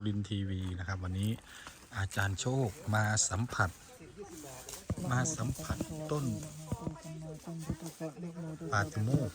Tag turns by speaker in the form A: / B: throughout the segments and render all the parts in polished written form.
A: รินทีวีนะครับวันนี้อาจารย์โชคมาสัมผัสต้นปาติโมกข์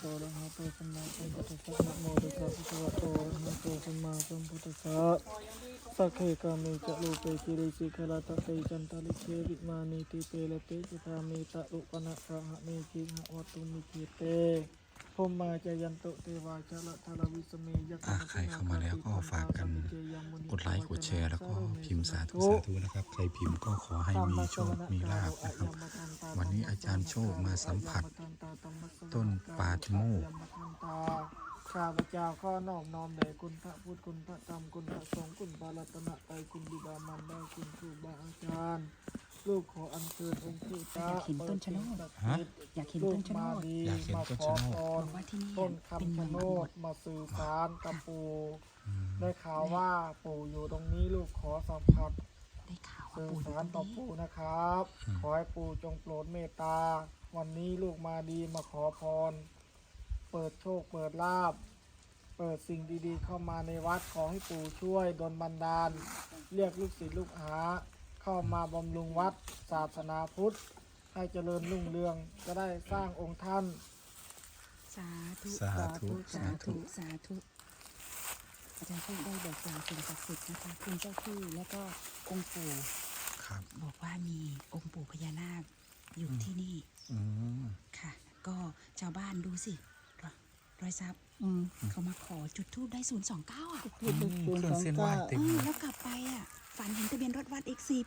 B: สักเคกามิจะลูเปกิริสิขลาตะเตจันตาลิเควิมานิติเปละเตจิตามิตะลุปนะกะหะเมกิหะวัตุมิกิเตพมมาจยันตุเทวาชะละทาราวิสเมยักษ์
A: ใครเข้ามาแล้วก็ฝากกันกดไลค์กดแชร์แล้วก็พิมพ์สาธุนะครับใครพิมพ์ก็ขอให้มีโชคมีลาภนะครับวันนี้อาจารย์โชคมาสัมผัสต้นปาติโมกข์
B: ข้าพเจ้าข้อนอบน้อมแด่คุณพระพุทธคุณพระธรรมคุณพระสงฆ์คุณพระรัตนตรัยคุณบิดามารดาคุณครูบาอาจารย์ลูกขออัญเชิญองค์พระตา
C: อยากเห็นต้นชะโนด อยากเห็น
B: ลู
C: ต้
B: ก
C: นชะโน
B: มา
C: ด
B: ดี
A: อยากเห็น
B: มา
A: ต้น
B: ขอ
A: ชะโนด
B: พร
C: บอกว่าที่นี่
B: ต้น
C: เป็น
B: คำ
C: เมื
B: ชะ
C: อง
B: โน
C: บว
B: ด
C: ช
B: มาสื่อสารกับปู่ได้ข่าวว่าปู่อยู่ตรงนี้ลูกขอสัมผัส
C: ได้ข่าวว่า
B: สื่อ
C: ปู่อยู่
B: สาร
C: ต
B: ต่
C: ร
B: อง
C: นี้
B: ปู่นะครับ ขอให้ปู่จงโปรดเมตตาวันนี้ลูกมาดีมาขอพร เปิดโชคเปิดลาภเปิดสิ่งดีๆเข้ามาในวัดขอให้ปู่ช่วยดลบันดาล เรียกลูกศิษย์ลูกหาเข้ามาบำรุงวัดศาสนาพุทธ ให้เจริญรุ่งเรืองจะได้สร้างองค์ท่าน
C: สาธุ
A: สาธุ
C: สาธุ สาธุ อาจารย์พูดได้บอกกล่าวสิ่งศักดิ์สิทธิ์นะคะคุณเจ้าที่แล้วก็องค์ปู่
A: ครับ
C: บอกว่ามีองค์ปู่พญานาคอยู่ที่นี่
A: อืม
C: ค่ะ ก็ชาวบ้านดูสิรอยซับเขามาขอจุดธูปได้029อ่ะ
A: เครื่องเส้นไหว้เต็มเลย
C: แล้วกลับไปอ่ะฝันเห็นทะเบียนรถวัด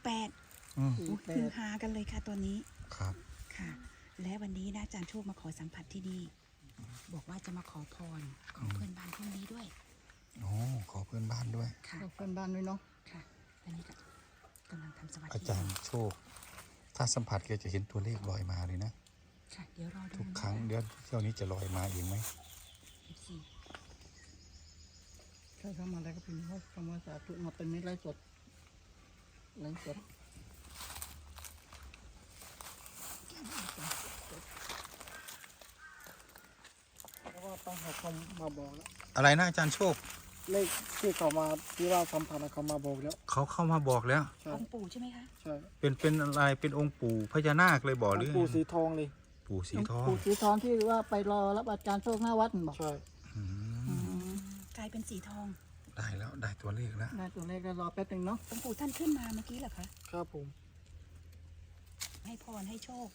C: X48
A: อืม
C: คือฮากันเลยค่ะตัวนี้
A: ครับ
C: ค่ะ และวันนี้นะอาจารย์โชคมาขอสัมผัสที่นี่บอกว่าจะมาขอพรของเพื่อนบ้านพรุ่งนี้ด้วย
A: โอ้ขอเพื่อนบ้านด้วย
C: ค่ะ
B: เพื่อนบ้านด้วยเนาะ
C: ค่ะตอนนี้ก็กำลังทำสมาธิ
A: อาจารย์โชค ถ้าสัมผัสแกจะเห็นตัวเลขลอยมาเลยนะ
C: ค่ะเดี๋ยวรอดู
A: ทุกครั้งเดี๋ยวเที่ยวนี้จะลอยมาเองไหม
C: 14
B: ใช่เข้ามาแล้วก็พิมพ์ว่าคำว่าสาธุมาเป็นนิไลฟ์สดไลฟ์สดเพราะว่าต้องให้เขามาบอกแล้ว
A: อะไรนะอาจารย์โชค
B: เลขที่เขามาที่ว่าสัมพันธ์เขามาบอกแล้ว
A: เขาเข้ามาบอกแล้ว
B: ใช่
C: องค์ปู่ใช่ไหมคะ
B: ใช่
A: เป็นอะไรเป็นองค์ปู่พญานาคเลยบอกหรือ
B: ปู่สีทองเลย
A: ปู่สีทอง
D: ปู่สีทองที่ว่าไปรอรับอาจารย์โชคหน้าวัดนั่นบอก
B: ใช่
A: อืม
C: กลายเป็นสีทอง
A: ได้แล้วได้ตัวเลขแล้ว
D: ได้ตัวเลขก็รอแป๊บหนึงเนาะ
C: องค์ปู่ท่านขึ้นมาเมื่อกี้เหรอคะ
B: ครับผม
C: ให้พรให้โชค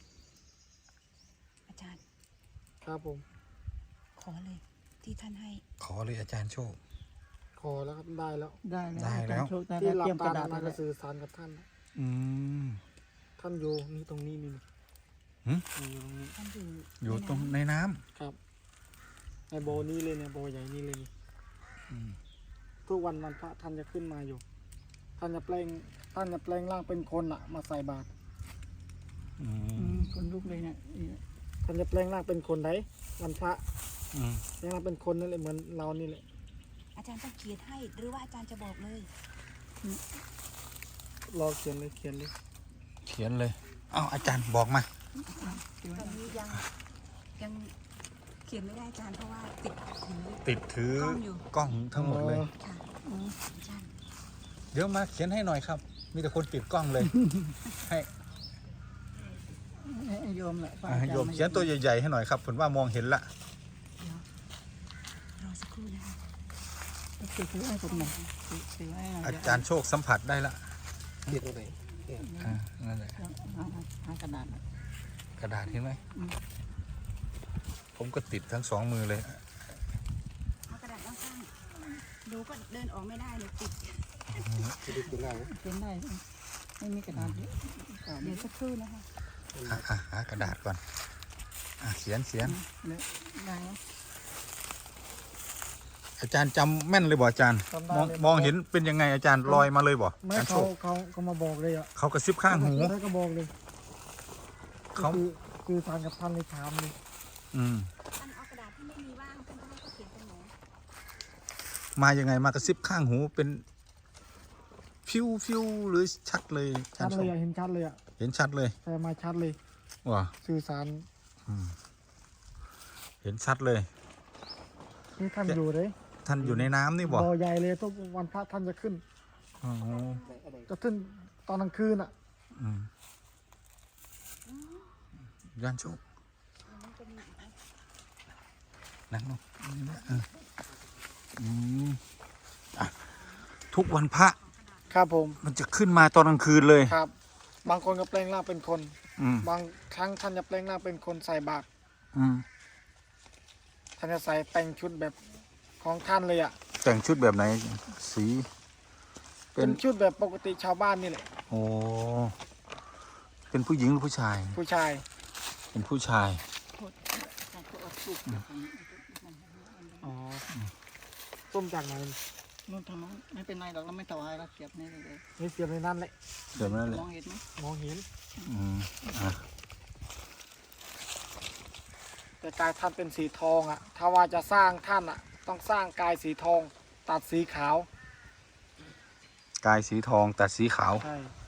C: อาจารย์
B: ครับผม
C: ขอเลยที่ท่านให้
A: ขอเลยอาจารย์โชค
B: ขอแล้วครับได้แล้ว
D: ได้แล้ว
A: ได้
D: อา
A: แล้
D: จาว รย์โชคได้
B: ที่
D: แล้ว
B: หลั
D: เตรียม
B: บ
D: กระ
B: ตา
D: ดาษ
B: มา
D: ไว้
B: จะ
D: แล้ว
B: สื่อสารกับท่าน
A: อืม
B: ท่านอยู่นี่ตรงนี้นี่
A: หึ
B: อยู่ตรงนี้
C: ท่านอยู่
A: อยู่ตรงในน้ำ
B: ครับในโบนี้เลยเนี่ยโบใหญ่นี่เลยนี่
A: อืม
B: ทุกวันวันพระท่านจะขึ้นมาอยู่ ท่านจะแปลงร่างเป็นคนอะมาใส่บาตร
A: อื
D: อื
A: ม
D: มคนลุกเลยเนี่ยนี่
B: ท่านจะแปลงร่างเป็นคนไหนวันพระ
A: อืม
B: แปลงร่างเป็นคนนั่นแหละเหมือนเรานี่แหละ
C: อาจารย์ต้องเขียนให้ หรือว่าอาจารย์จะบอกเลย
B: รอเขียนเลยเขียนเลย
A: เขียนเลยเอ้าอาจารย์บอกมา
C: ตอนนี้ยังเขียนไม่ได้อาจารย์เพราะว่า
A: ติดถือก
C: ล้องอยู่
A: กล้องทั้งหมดเลย
C: ค่ะอาจารย์
A: เดี๋ยวมาเขียนให้หน่อยครับ มีแต่คนติดกล้องเลย ให้
D: ให้โยมแหละพระ
A: อ่ะ
D: อาจาร
A: โยมเขียนตัวใหญ่ๆให้หน่อยครับผมว่ามองเห็นละ
C: เดี๋ยวรอสักครู่นะคะ
D: ถือให้ผมหน่อยถือให้หน่อย
A: อาจารย์โชคสัมผัสได้ละ
B: เขียนตรงไหน
A: อ่านั่นแหละ
D: หากระดาษหน่อย
A: กระดาษเห็นไหม
D: อืม
A: ผมก็ติดทั้งสองมือเลย
C: เอากระดาษข้างๆดูก็เดินออกไม่ได้เลยติด
B: ดูดูหน้า
D: เขียนได้ไม่มีกระดาษเยอะกระดาษ
C: เดี๋ยวสักครู่นะคะ
A: หากระดาษก่อนเขียน
D: เนี่ยได้ไหม
A: อาจารย์จำแม่นเลยบ่อาจารย์
B: จำได้
A: มอง
B: เลย
A: มองเห็นเป็นยังไงอาจารย์ลอยมาเลยบ่
B: ไม่
A: อาจารย์โช
B: เขา
A: ค
B: มาบอกเลยอ่ะ
A: เขากระซิบข้างหู
B: ท่านก็บอกเลย
A: เขา
B: คือทานกับท่านเลยถามเลย
A: อืม
C: ท่านเอากระดาษที่ไม่มีว่างท่านก็ให้เขาเขียนเป็นหนู
A: มายังไงมากระซิบข้างหูเป็นฟิวหรือชัดเลยอาจา
B: ชั
A: ร
B: ด
A: ย์โช
B: เลย
A: ค
B: อ่ะเห็นชัดเลยอ่ะ
A: เห็นชัดเลย
B: แต่มาชัดเลย
A: ว่ะ
B: สื่อสาร
A: อืมเห็นชัดเลย
B: นี่ท่านอยู่เลย
A: ท่านอยู่ในน้ำนี่บ่
B: บ่อใหญ่เลยทุกวันพระท่านจะขึ้น
A: อ๋อ
B: จะขึ้นตอนกลางคืนอ่ะ
A: อืมย่านโชคนั่งลงนี่นะอืมอ่ะทุกวันพระ
B: ครับผม
A: มันจะขึ้นมาตอนกลางคืนเลย
B: ครับ บางคนก็แปลงร่างเป็นคน
A: อืม
B: บางครั้งท่านจะแปลงร่างเป็นคนใส่บาตร
A: อืม
B: ท่านจะใส่แต่งชุดแบบของท่านเลยอ่ะ
A: แต่งชุดแบบไหน สี เป็
B: เป็น นชุดแบบปกติชาวบ้านนี่แหละ
A: โอ้เป็นผู้หญิงหรือผู้ชาย
B: ผู้ชาย
A: เป็นผู้ชาย
B: อ๋อต้มจากไหน
D: นู่นทางโน้นไม่เป็นไรหรอกเราไม่ถวายเราเสียบนี่เลย
B: นี่เสียบในนั้นแหละ
A: เดี๋ยวนั่นแหละ
D: มองเห็นไหม
B: มองเห็น
A: อืมอ่ะ
B: แต่กายท่านเป็นสีทองอ่ะ ถ้าว่าจะสร้างท่านอ่ะ ต้องสร้างกายสีทอง ตัดสีขาว
A: กายสีทองตัดสีขาว
B: ใช่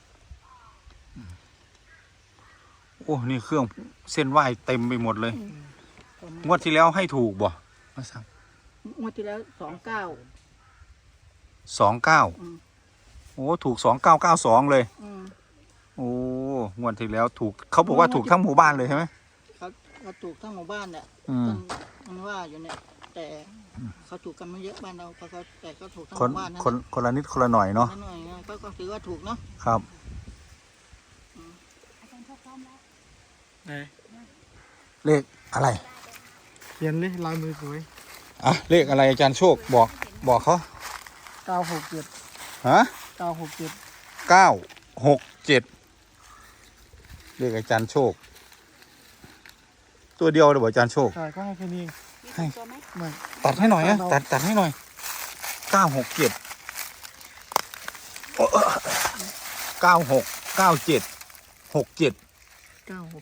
A: โอ้ นี่เครื่องเส้นไหว้เต็มไปหมดเลย งวดที่แล้วให้ถูกบ่มาสั่ง
D: งวดที่แล้ว29
A: 29
D: อืม
A: โอ้ ถูก 2992 เลย
D: อืม
A: โอ้ งวดที่แล้วถูก เขาบอกว่าถูกทั้งหมู่บ้านเลยใช่ไหม
D: เขาถูกทั้งหมู่บ้านเนี่ย
A: อืม
D: มันว่าอยู่เนี่ยแต่เขาถูกกันไม่เยอะบ้านเราเขาแต่ก็ถูกทั้งห
A: คน
D: มู่บ้านนั่น
A: คนละนิดคนละหน่อยเนาะ
D: นั่นหน่อยนะก็ถือว่าถูกเนาะ
A: ครับ
C: อาจารย์โชคพร้อมแล้ว
B: ไหน
A: เลขอะไร
B: เขียนเลยลายมือสวย
A: อ่ะ เลขอะไรอาจารย์โชค บอกเขา
B: 967
A: ฮะ
B: 967
A: 967 เลขอาจารย์โชค ตัวเดียวเลยบอกอาจารย์โชค
B: ใช่ก็ให้แค่นี้เอง
C: มี
A: ให้
C: ตัวไหม
B: ไม่
A: ตัดให้หน่อยนะ
B: ตัดเอา
A: ตัดให้หน่อย 967 96 97 67
D: 96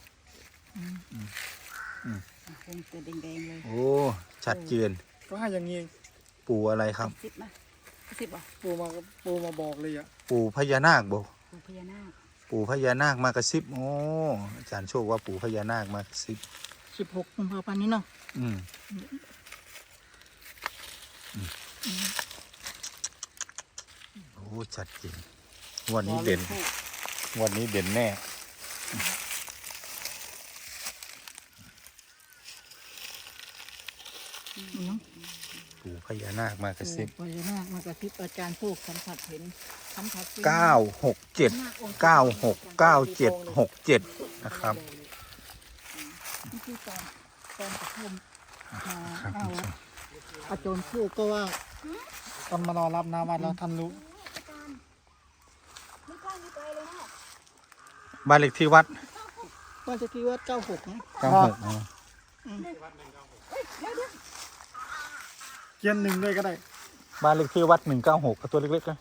C: วงตัวแดงๆเลย
A: โอ้ ชัดเจน
B: ก็ให้อย่างนี้เอง
A: ปู่อะไรครับ
C: 10มากระซิบบอก
B: ปูมาบอกเลยอ่ะ
A: ปู่พญานาคบ่
C: ปู่พญานาค
A: ปู่พญานาคมากระซิบ โอ้ อาจารย์โชคว่าปู่พญานาคมากระซิบ
D: 16 กุมภาพันธ์นี้เนาะ
A: อืมโอ้ ชัดเจนงวันนี้เด่นงวันนี้เด่นแน่
D: เนาะ
A: ปู่พญานาคมากระซิบ
D: พญานาคมากระซิบอาจารย์โชคสัมผัสเห็นสัมผัส
A: 967 969767 นะครับ
D: นี่คือตอนกระทม
A: ครับ
D: เอาละอาจารย์โชคก็ว่า
B: ตอนมารอรับน้ำวัดแล้วท่านรู้
C: ไม่กล้าไม่ไกลเลยนะ
A: บ้านเลขที่วัด
D: ว่าจะคิดว่า96นะ
A: 96อ๋อ
B: เขียนหนึ่งด้วยก็ได้
A: บ้านเลขที่วัด196ก็ตัวเล็กๆนะ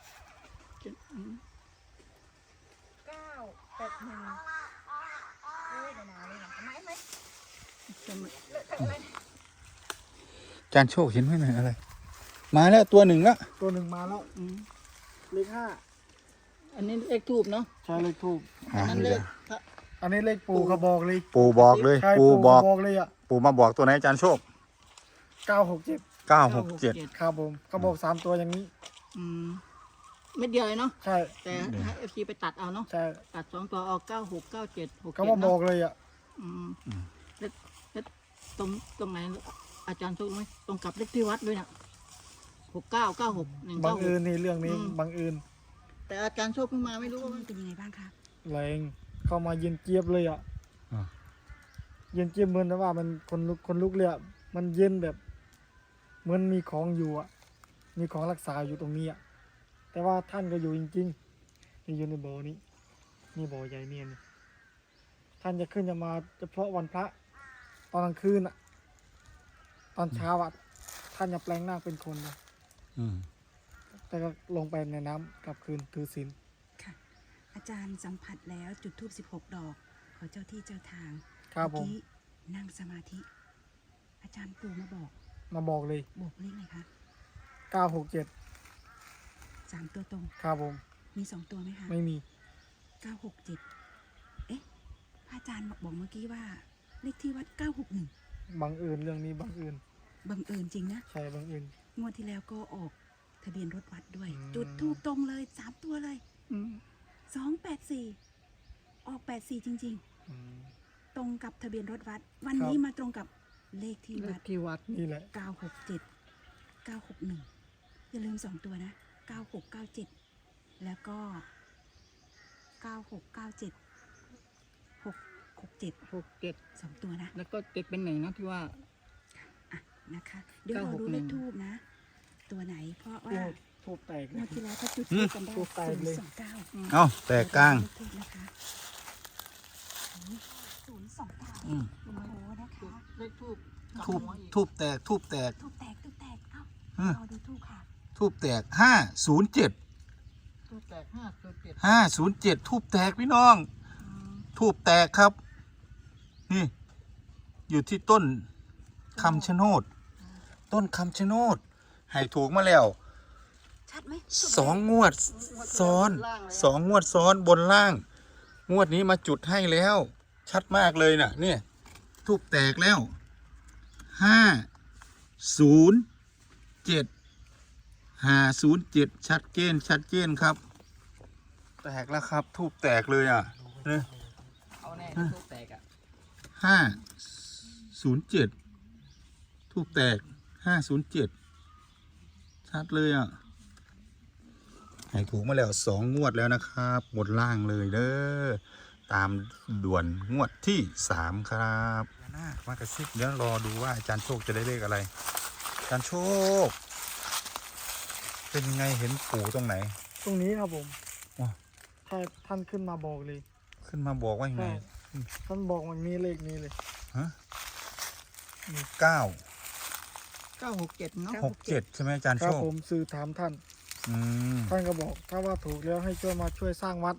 A: อาจารย์โชคเห็นไหมเนี่ยอะไร มาแล้วตัวหนึ่งแล้ว
B: ตัวหนึ่งมาแล้ว
D: อืม
B: เลขห้า
D: อันนี้เลขทูบเนาะ
B: ใช่เลขทูบ
D: อันนั้นเลขพระ
B: อันนี้เลขปูเขาบอกเลย
A: ปู่บอกเลย
B: ใช่
A: ปู่บอก
B: บอกเลยอ่ะ
A: ปู่มาบอกตัวไหนอาจารย์โชค
B: 967
A: 967
B: ครับผมเขาบอก3ตัวอย่างนี้
D: อืมเม็ดเดียวเลยเนาะ
B: ใช่
D: แต่ให้ FC ไปตัดเอาเนาะ
B: ใช่
D: ตัด2ตัวเอา96 97 67
B: เขามาบ
D: เนาะ
B: อกเลยอ่ะ
D: อืมแล้วตรงไหนอาจารย์โชคไหมตรงกับเลขที่วัดด้วยน่ะ6996
B: บังเอิญ
D: 196
B: นี่เรื่องนี้
D: อืม
B: บังเอิญ
D: แต่อาจารย์โชคเพิ่งมาไม่รู้ว่า
C: มันเป็นยังไงบ้างคะ
B: แรงเข้ามาเย็นเจี๊ยบเลยอ่ะ
A: อ่า
B: เย็นเจี๊ยบเหมือนว่ามันคนลุกเลยอ่ะมันเย็นแบบเหมือนมีของอยู่อ่ะมีของรักษาอยู่ตรงนี้อ่ะแต่ว่าท่านก็อยู่จริงๆนี่อยู่ในบ่อนี้นี่บ่อใหญ่เนี่ยนี่ท่านจะขึ้นจะมาเฉพาะวันพระตอนกลางคืนอ่ะตอนเช้าอ่ะท่านจะแปลงร่างเป็นคนนะ
A: อืม
B: แต่ก็ลงไปในน้ำกลับคืนถือศีล
C: ค่ะ อาจารย์สัมผัสแล้วจุดธูป16 ดอก ขอเจ้าที่เจ้าทาง
B: ครับผม
C: เมื่อกี้นั่งสมาธิ อาจารย์ปู่มาบอก
B: มาบอกเลย
C: บอกเลขอะไรคะ
B: 967
C: 3 ตัวตรง
B: ครับผม
C: มี 2 ตัวไหมคะ
B: ไม่มี
C: 967 เอ๊ะพระอาจารย์บอกเมื่อกี้ว่า เลขที่วัด 961
B: บังเอิญเรื่องนี้บังเอิญ
C: บังเอิญจริงนะ
B: ใช่บังเอิญ
C: งวดที่แล้วก็ออกทะเบียนรถวัดด้วย จุดทูบตรงเลย3 ตัวเลย
D: อืม
C: 284ออก84จริง
B: อืม
C: ๆ ตรงกับทะเบียนรถวัด วันนี้มาตรงกับเลขที่
D: เล
C: วั
D: ข
C: ด
D: ที่วัด
B: นี่แหละ
C: 967 961อย่าลืม2 ตัวนะ9697แล้วก็9697 667
D: 67
C: 2 ตัวนะ
D: แล้วก็7เป็น1นะที่ว่า
C: อ่ะนะคะเดี๋ยวเราดูเลขทูบนะ ตัวไหนเพราะว่า
B: ทูบแตก
C: ง
B: เล
C: วย ดที่แล้วถ้าจุดทูบกันได้
B: ทูบแตกเลย
C: 029
A: เอ้าแตกกลาง
C: เลขทูบนะคะ029
A: อืม
C: โอ้โหนะคะ
D: เลขทูบ
A: ทูบแตกทูบแตก
C: ทูบแตกเอ้า
A: อืม
C: รอดูทูบค่ะ
A: ทูบแตก507
D: ทูบแตก507
A: ทูบแตกพี่น้อง ทูบแตกครับ นี่ อยู่ที่ต้นคำชะโนด ต้นคำชะโนด ให้ถูกมาแล้ว
C: ชัดไหม
A: 2 งวดซ้อน 2 งวดซ้อนบนล่าง งวดนี้มาจุดให้แล้ว ชัดมากเลยน่ะ เนี่ย ทูบแตกแล้ว 507 507 ชัดเจนครับ แตกแล้วครับ ทูบแตกเลยอ่ะเนี่ย
D: เอาแน่ทูบแตกอ่ะ
A: 507 ทูบแตก 507 ชัดเลยอ่ะ ให้ถูกมาแล้ว2 งวดแล้วนะครับบนล่างเลยเด้อ ตามด่วนงวดที่ 3 ครับมากระซิบเดี๋ยวรอดูว่าอาจารย์โชคจะได้เลขอะไร อาจารย์โชค เป็นยังไงเห็นปู่ตรงไหน
B: ตรงนี้ครับผม
A: ว้า
B: ท่านขึ้นมาบอกเลย
A: ขึ้นมาบอกว่ายังไง
B: ใช่ท่านบอกมันมีเลขนี้เลย
A: ฮะ 9
D: 967เนาะ
A: 6 7 ใช่ไหมอาจารย์
B: ค
A: โช
B: รับ
A: ค
B: ผมสื่อถามท่าน
A: อืม
B: ท่านก็บอกถ้าว่าถูกแล้วให้ช่วยมาช่วยสร้างวัด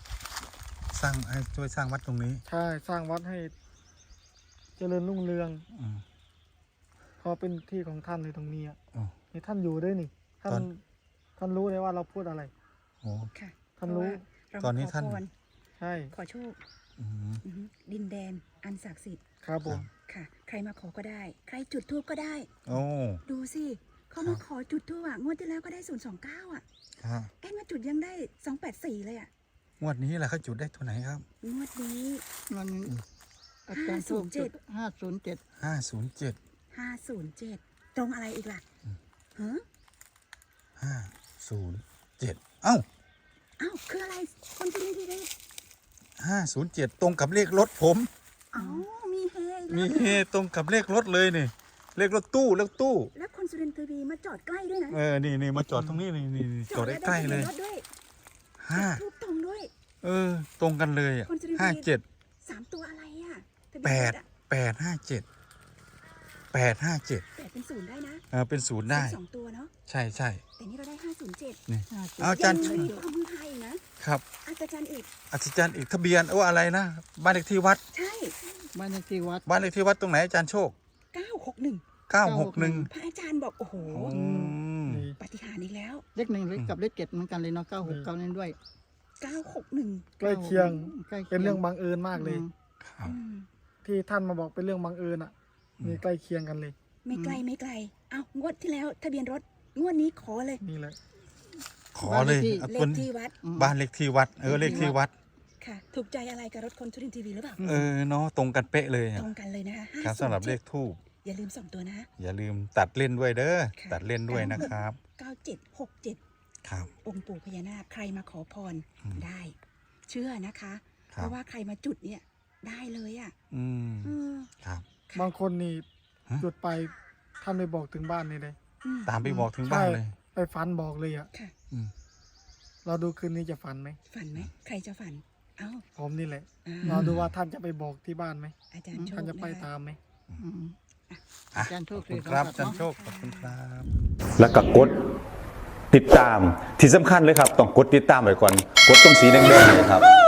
A: ช่วยสร้างวัดตรงนี้
B: ใช่สร้างวัดให้เจริญรุ่งเรือง
A: อืม
B: เพราะเป็นที่ของท่านในตรงนี้อะ
A: อ๋อ
B: นี่ท่านอยู่ด้วยนี่ท่าน
A: ตอน
B: ท่านรู้เลยว่าเราพูดอะไร
A: โอ้
C: ค่ะ
B: ท่านรู้
C: เพราะว่า
A: ตอนนี้ท่าน
C: เรมขอพร
B: ใช่
C: ขอโชค
A: อืม
C: อือฮึดินแดนอันศักดิ์สิทธิ์
B: ครับผม
C: ค่ะ ใครมาขอก็ได้ ใครจุดทูบก็ได้
A: โอ้
C: ดูสิเขามาขอจุดทูบอ่ะงวดที่แล้วก็ได้029อ่ะ
A: ครับ
C: แอนมาจุดยังได้284เลยอ่ะ
A: งวดนี้แหละเขาจุดได้ตัวไหนครับ
C: งวดนี้
D: มันอาจารย์โชคจุด507
A: 507
C: 507 ตรงอะไรอีกล่ะฮะ
A: 507 เอ้า
C: อ้าวคืออะไรคนที่นี่ที่นี่
A: 507 ตรงกับเลขรถผม
C: อ๋อมีเฮอีก
A: มี
C: แล้ว
A: เฮตรงกับเลขรถเลยนี่ เลขรถตู้
C: แล้วคนสุรินทร์ทีวีมาจอดใกล้ด้วยนะ
A: นี่มาจอดตรงนี้นี่จอดได้ใกล้เลย
C: จอดได้
A: ห้า
C: ทูบตรงด้วย
A: ตรงกันเลยอ่ะ
C: คนสุรินทร์
A: 57
C: 3 ตัวอะไรอ่ะทะ
A: แป
C: เบียน
A: ด
C: รถอะ
A: 857 857
C: 8เป็น0ได้นะ
A: เป็นศูนย์ได้
C: 2 ตัวเนาะ
A: ใช่
C: แต่นี่เราได้507
A: นี่
D: 507
A: เอาอาจารย์
C: ยังมีความมือไทยนะครับ อาจารย์อีก
A: อาจารย์อีกทะเบียนอะไรนะ บ้านเลขที่วัด
C: ใช่
D: บ้านเลขที่วัด
A: บ้านเลขที่วัดตรงไหนอาจารย์โชค
C: 961
A: 961
C: พระอาจารย์บอกโอ้โห
A: อืม
B: นี่
C: ปาฏิหาริย์อีกแล้ว
D: เลข1เลขกับเลข7เหมือนกันเลยเนาะ969นั่นด้วย
C: 961
B: ใกล้เคียง
D: ใกล้คีย
B: เป็นเรื่องบังเอิญมากเลย
A: ครับ
C: อืม
B: ที่ท่านมาบอกเป็นเรื่องบังเอิญอ่ะนี่ใกล้เคียงกันเลย
C: ไม่ไกลไม่ไกล เอ้างวดที่แล้วทะเบียนรถ งวดนี้ขอเลย
B: นี่แหละ
A: ขอเลยเอา
C: เล
A: ตัว
C: ขที่วัด
A: บ้านเลขที่วัด เลขที่วัด
C: ค่ะ ถูกใจอะไรกับรถคนสุรินทร์ทีวีหรือเปล่า
A: เนาะตรงกันเป๊ะเลย
C: ต
A: อะ
C: รงกันเลยนะคะ
A: ครับสำหรับเลขทูบ
C: อย่าลืม2 ตัวนะ
A: อย่าลืมตัดเล่นด้วยเด้อ
C: ค่ะ
A: ตัดเล่นด้วยนะครับ
C: 9767
A: ครับ
C: องค์ปู่พญานาคใครมาขอพร
A: อืม
C: ได้ เชื่อนะคะ
A: ค
C: เพ
A: รับ
C: ราะว่าใครมาจุดเนี่ยได้เลยอ่ะ
A: อืม
C: อืม
A: ครับ
B: บางคนนี่
A: ฮะ
B: จุดไปท่านไปบอกถึงบ้านนี่เลย
C: อืม
A: ตามไปบอกถึงบ้านเลย
B: ไปฝันบอกเลยอ่ะ
C: ค่ะ
A: อืม
B: เราดูคืนนี้จะฝันไหม
C: ฝันไหมใครจะฝัน เอ้า
B: ผมนี่แหละ
C: อ่า
B: เราดูว่าท่านจะไปบอกที่บ้านไหม
C: อาจารย์โชค
B: ท่านจะไป
C: นะคะ
B: ตามไหม
D: อืม
A: อ่ะ
D: อาจารย์โช
A: ขอ
D: ค
A: บคุณครับอาจารย์โชค
C: เนาะ
A: ขอบคุณครับ
E: แล้วก็กดติดตามที่สำคัญเลยครับ ต้องกดติดตามไว้ก่อน กดตรงสีแดงๆเลยครับ